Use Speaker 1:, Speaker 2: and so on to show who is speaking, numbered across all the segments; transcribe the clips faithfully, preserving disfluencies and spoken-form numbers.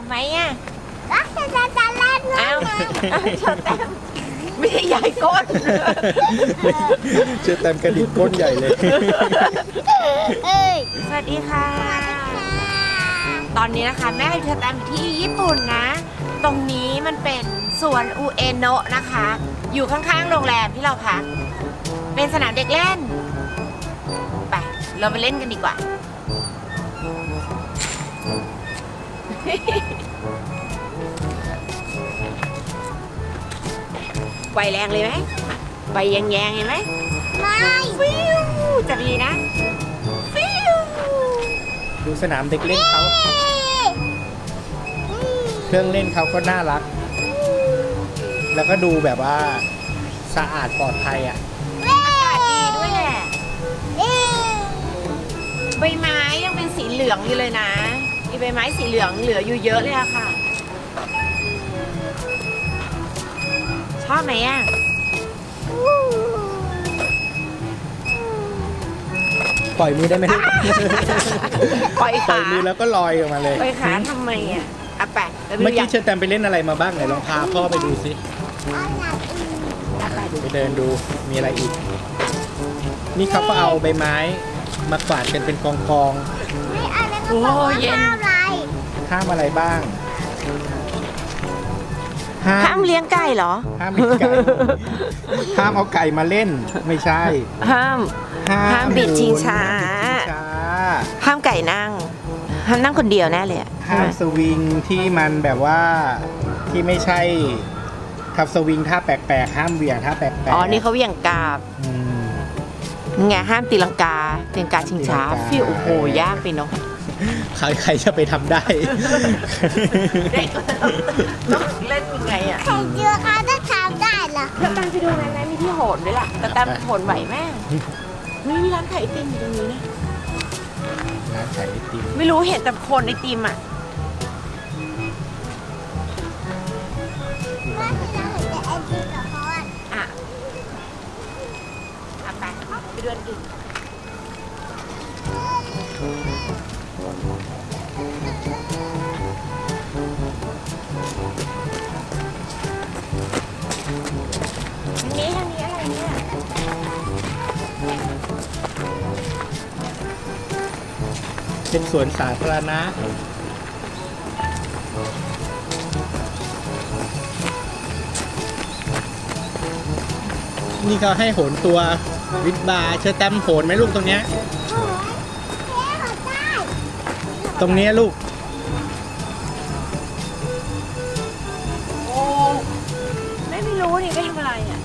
Speaker 1: ไหมอ่ะ
Speaker 2: ก็จะจะจะเล่นด้วย
Speaker 1: อ้าวเชอแตมไม่ใช่ใหญ่ก้น
Speaker 3: เชื่อแตมกระดิกก้นใหญ่เลย
Speaker 2: เอ้ย
Speaker 1: สวัสดีค่ะ ตอนนี้นะคะแม่กับเชอแตมอยู่ที่ญี่ปุ่นนะ ตรงนี้มันเป็นสวนอุเอโนะนะคะ อยู่ข้างๆโรงแรมที่เราพักเป็นสนามเด็กเล่นไปเราไปเล่นกันดีกว่า ไฟแรงเลยไหมไฟแยงๆเห็นไหม
Speaker 2: ไม่
Speaker 1: ฟิวจับดีนะฟิว
Speaker 3: ดูสนามเด็กเล่นเขาเครื่องเล่นเขาก็น่ารัก แล้วก็ดูแบบว่าสะอาดปลอดภัยอ่ะ
Speaker 1: อากาศดีด้วยแหละ
Speaker 2: เอ้ย
Speaker 1: ใบไม้ยังเป็นสีเหลืองอยู่เลยนะมีใบไม้สีเหลืองเหลืออยู่เยอะเลยอะค่ะ ชอบไหมอะ
Speaker 3: ปล่อยมือได้ไหมลูก
Speaker 1: ปล่อย
Speaker 3: ปล่
Speaker 1: ขา
Speaker 3: อยมือแล้วก็ลอยออกมาเลย
Speaker 1: ปล่อยขาทำไมอะอ่ะไปแล้ว
Speaker 3: เมื่อ
Speaker 1: ไปดู
Speaker 3: กี้เชิญแตมไปเล่นอะไรมาบ้างไหนลองพาพ่อไปดูสิ
Speaker 2: เอาหนักอีก
Speaker 1: อ่ะไปดู
Speaker 3: ไปเดินดูมีอะไรอีก นี่เขาก็เอาใบไม้มากวาดกันเป็นกองกอง
Speaker 2: ไม่เอาแล้วก็บอกว่าห้ามอะไร
Speaker 3: ๆห้ามอะไรบ้าง
Speaker 1: ห้ามเลี้ยงไก่เหรอ
Speaker 3: ห้ามเลี้ยงไก่ห้ามเอาไก่มาเล่นไม่ใช่
Speaker 1: ห้าม ห้ามบิดชิงช้า
Speaker 3: ห้ามบิดชิงช้า
Speaker 1: ห้ามไก่นั่ง ห้ามนั่งคนเดียวแน่เลยอะ
Speaker 3: ห้ามสวิงที่มันแบบว่าที่ไม่ใช่ทับสวิงท่าแปลกๆห้ามเหวี่ยงท่าแปลกๆ
Speaker 1: อ๋อ นี่เขาเหวี่ยงกาบ
Speaker 3: อืม
Speaker 1: นี่ไงห้ามตีลังกาตีลังกาชิงช้า
Speaker 3: ตีลังกา
Speaker 1: ฟิวโอ้โหยากไปเนาะ
Speaker 3: ใครใครจะไปทำได้
Speaker 1: เด็กต้องเล่นยังไงอ่ะ
Speaker 2: ใครเจอเขาจะทำได้เหรอ
Speaker 1: แล้วตังไปดูไหมแม่มีที่โหนด้วยล่ะแต่ตังโหนไหวแม่ไม่มีร้านขายไอติมอยู่ตรงนี้นะ
Speaker 3: ร้านขายไอติม
Speaker 1: ไม่รู้เห็นแต่คนไอติมอ่ะ
Speaker 2: แม่ที่เราเห็นแต่ไอติมกับเขาอะ
Speaker 1: อ่ะอ่ะไปไปดูอันอื่นทางนี้ทางนี้อะไรเนี่ย
Speaker 3: เป็นสวนสาธารณะนี่เขาให้โหนตัววิดบาร์เชิญแตมโหนไหมลูกตรงเนี้ย
Speaker 2: โอ้ยเท่เขาได้
Speaker 3: ตรงเนี้ยลูก
Speaker 1: โอ้ไม่ไม่รู้นี่ไปทำอะไรอ่ะ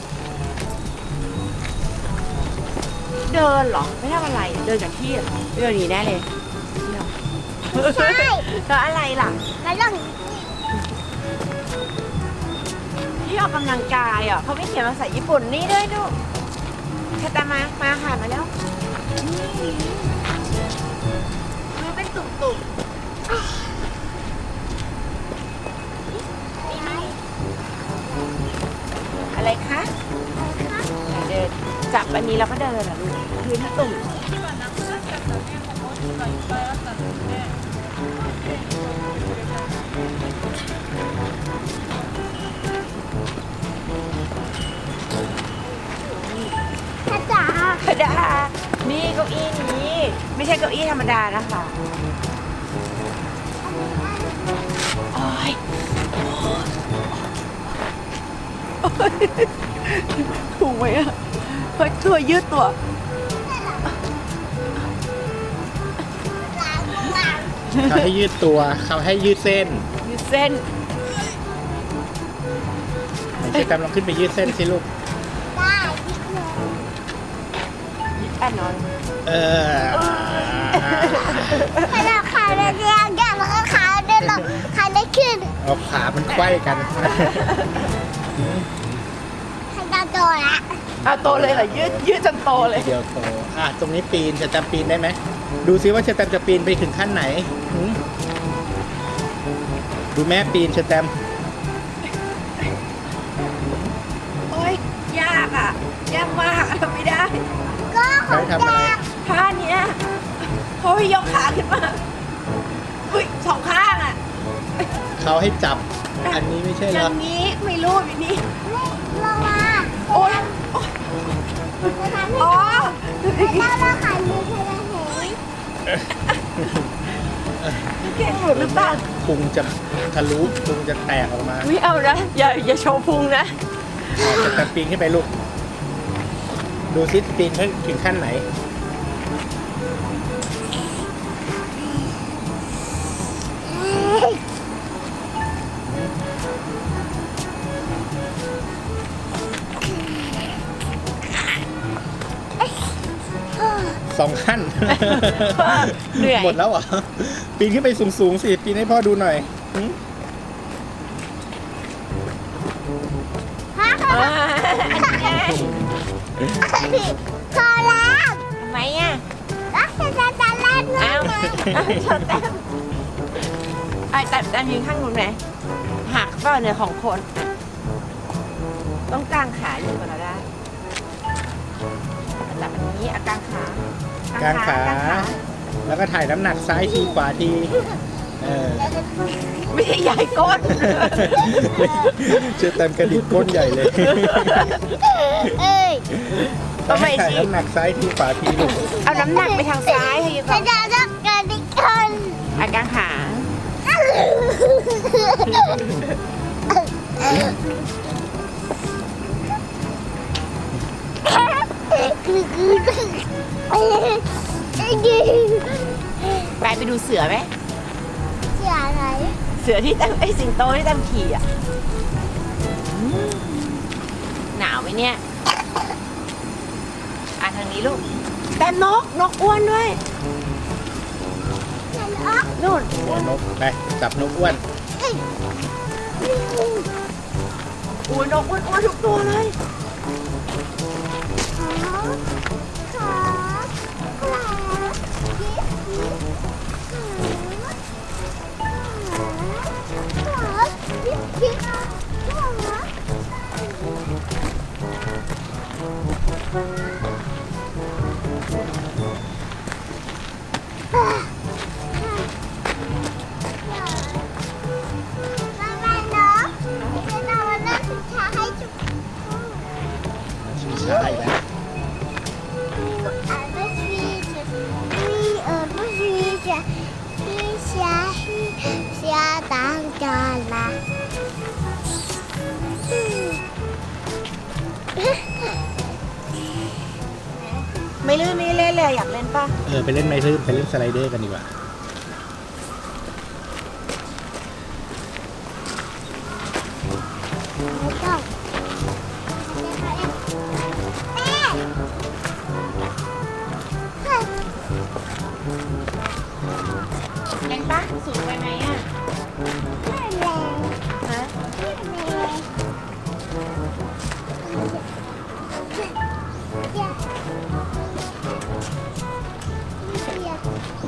Speaker 1: เดินเหรอ ไม่ทำอะไร เดินจากที่เหรอเดินหนีแน่เลย
Speaker 2: ใช่
Speaker 1: แล้วอะไรล่ะ
Speaker 2: มาลอง
Speaker 1: ที่ออกกำลังกายอ่ะเขาไม่เขียนภาษาญี่ปุ่นนี่ด้วยดูแค่ตามมา มาค่ะมาแล้วนี่ดูเป็นตุ่มๆนี่ไหมอะไรคะไหนเดินจับอันนี้แล้วก็เดินเหรอลูกพื้นตุ่ม
Speaker 2: กระจ๋า
Speaker 1: ธรรมดานี่เก้าอี้นี้ ไม่ใช่เก้าอี้ธรรมดานะคะโอ้ยถูกไหมอ่ะเฮ้ยตัวยืดตัว
Speaker 3: เขาให้ยืดตัวเขาให้ยืดเส้น
Speaker 1: ยืดเส้น
Speaker 3: ไหนเชิญแตมลองขึ้นไปยืดเส้นสิลูก
Speaker 2: ได้ที่หนึ่ง
Speaker 1: ยืดแอนนอน
Speaker 3: เออ
Speaker 2: ขนาดขาเรียงกันแล้วก็ขาเดินหลงขาได้ขึ้น
Speaker 3: เอาขามันไขว้กัน
Speaker 2: ขนาดโตละ
Speaker 1: เอาโตเลยเหรอยืดยืดจนโตเลย
Speaker 3: เดียวโตอ่ะตรงนี้ปีนเชิญแตมปีนได้ไหมดูซิว่าเชิญแตมจะปีนไปถึงขั้นไหนหืมดูแม่ปีนเชิญแตม
Speaker 1: โอ้ยยากอ่ะ ยากมากทำไม่ได้
Speaker 2: ก็ของ
Speaker 3: ใช้ทำอะไร
Speaker 2: แก
Speaker 1: ท่าเนี้ยเขาให้ยกขาขึ้นมาอุ้ยสองข้างอ่ะ
Speaker 3: เขาให้จับ อันนี้ไม่ใช่เหร
Speaker 1: อ
Speaker 3: อย่าง
Speaker 1: นี้ไม่รู้แบบนี้
Speaker 2: ลงมา
Speaker 1: โอ๊ย
Speaker 2: จะทำให้
Speaker 1: อ๋อ
Speaker 2: เราเราขายมือเธอเห็น
Speaker 1: แกล้งหลุดหรือเปล่า
Speaker 3: พุงจะทะลุพุงจะแตกออกมา
Speaker 1: ไม่เอานะอย่าอย่าโชว์พุงนะ
Speaker 3: จะแต่ปีนขึ้นไปลูก ดูซิปีนถึงขั้นไหน สองขั้น
Speaker 1: เหนื่อย
Speaker 3: หมดแล้วเหรอ ปีนขึ้นไปสูงๆสิ ปีนให้พ่อดูหน่อยหืม
Speaker 1: อ่าอันนี้ไง
Speaker 2: พอแล้ว
Speaker 1: ทำไมอ่ะ
Speaker 2: แล้วฉันจะจะเล่นด้ว
Speaker 1: อ้าวย
Speaker 2: ไหม
Speaker 1: อ้าวชนแต้มไอ้แต่แต่ยืนข้างนู้นไหมหักเปล่าเนี่ยของคน ต้องกางขาอยู่ก่อนเราได้จับอันนี้เอากางขาก
Speaker 3: างขา แล้วก็ถ่ายน้ำหนักซ้ายทีขวาทีเออ
Speaker 1: ไม่ใช่ใหญ่ก้น
Speaker 3: เชื่อเต็มกระดิกก้นใหญ่เลย
Speaker 2: เอ้ย
Speaker 1: ทำไม
Speaker 3: ถ่าย
Speaker 1: สิ
Speaker 3: น้ำหนักซ้ายทีขวาทีลูก
Speaker 1: เอาน้ำหนักไปทางซ้ายให้ยู
Speaker 2: ฉั
Speaker 1: ก่อน น
Speaker 2: จะจะกระดิกคน
Speaker 1: เอากางขา ไปไปดูเสือไหม
Speaker 2: เสียอะไร
Speaker 1: เสือที่ตั้มไอสิงโตที่ตั้มขี่อ่ะอืมหนาวไหมเนี่ยอ่ะทางนี้ลูกแต่นกนกอ้วนด้วย
Speaker 2: ฉันอ๊อก
Speaker 1: นู่น
Speaker 3: โอ้นกไปจับนกอ้วน
Speaker 1: อู้นกอ้วนอ้วนทุกตัวเลย
Speaker 2: ขอขอยิบยิบขอ มาไปเนาะจะนอนนั่งชิชาให้จุก
Speaker 3: ชิงช้าอีกแล้ว
Speaker 2: อ่านไม่ชีจะมีเออไม่ชีจะชีชาชีชาตังจาละ
Speaker 1: ไม่ลื่นไม่เล่นเลยอยากเล่นป่ะ
Speaker 3: เออไปเล่นไม้ลื่นไปเล่นสไลเดอร์กันดีกว่า
Speaker 2: ไม่ต้องแม่
Speaker 1: เล่นป่ะสูงไปไหมอ่ะ
Speaker 2: แม่แรง
Speaker 1: ฮะ
Speaker 2: แม่แรงอย่าอย่า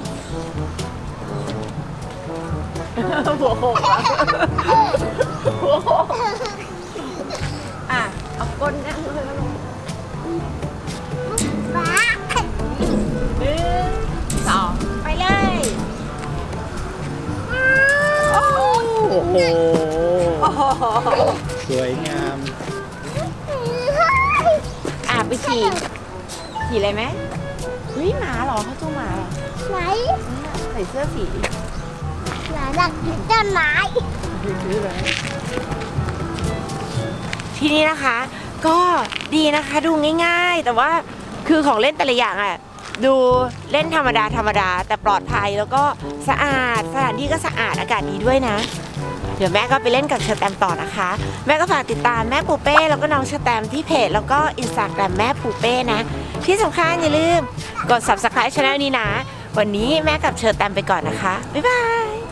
Speaker 1: หัวโขกอะหัวโขกอ่ะเอาก้นนั่งเลยแล้วลง
Speaker 2: บ้า
Speaker 1: หนึ่งสองไปเลยโอ้
Speaker 3: โอ้โห
Speaker 1: โห
Speaker 3: สวยงาม
Speaker 1: อ่ะไปขี่ขี่อะไรไหมเฮ้ยหมาเหรอเขาจูงหมาเหรอ
Speaker 2: ไหน
Speaker 1: ใส่เสื้อสี
Speaker 2: หลานหลักต้นไม้
Speaker 1: ที่นี่นะคะ ก็ดีนะคะดูง่ายๆ แต่ว่าคือของเล่นแต่ละอย่างอ่ะดูเล่นธรรมดาธรรมดาแต่ปลอดภัยแล้วก็สะอาดสถานที่ก็สะอาดอากาศดีด้วยนะ เดี๋ยวแม่ก็ไปเล่นกับเชอร์แตมต่อนะคะ แม่ก็ฝากติดตามแม่ปูเป้แล้วก็น้องเชอร์แตมที่เพจแล้วก็อินสตาแกรมแม่ปูเป้นะ ที่สำคัญอย่าลืมกด ซับสไครบ์ ช่องนี้นะ วันนี้แม่กับเชอร์แตมไปก่อนนะคะบ๊ายบาย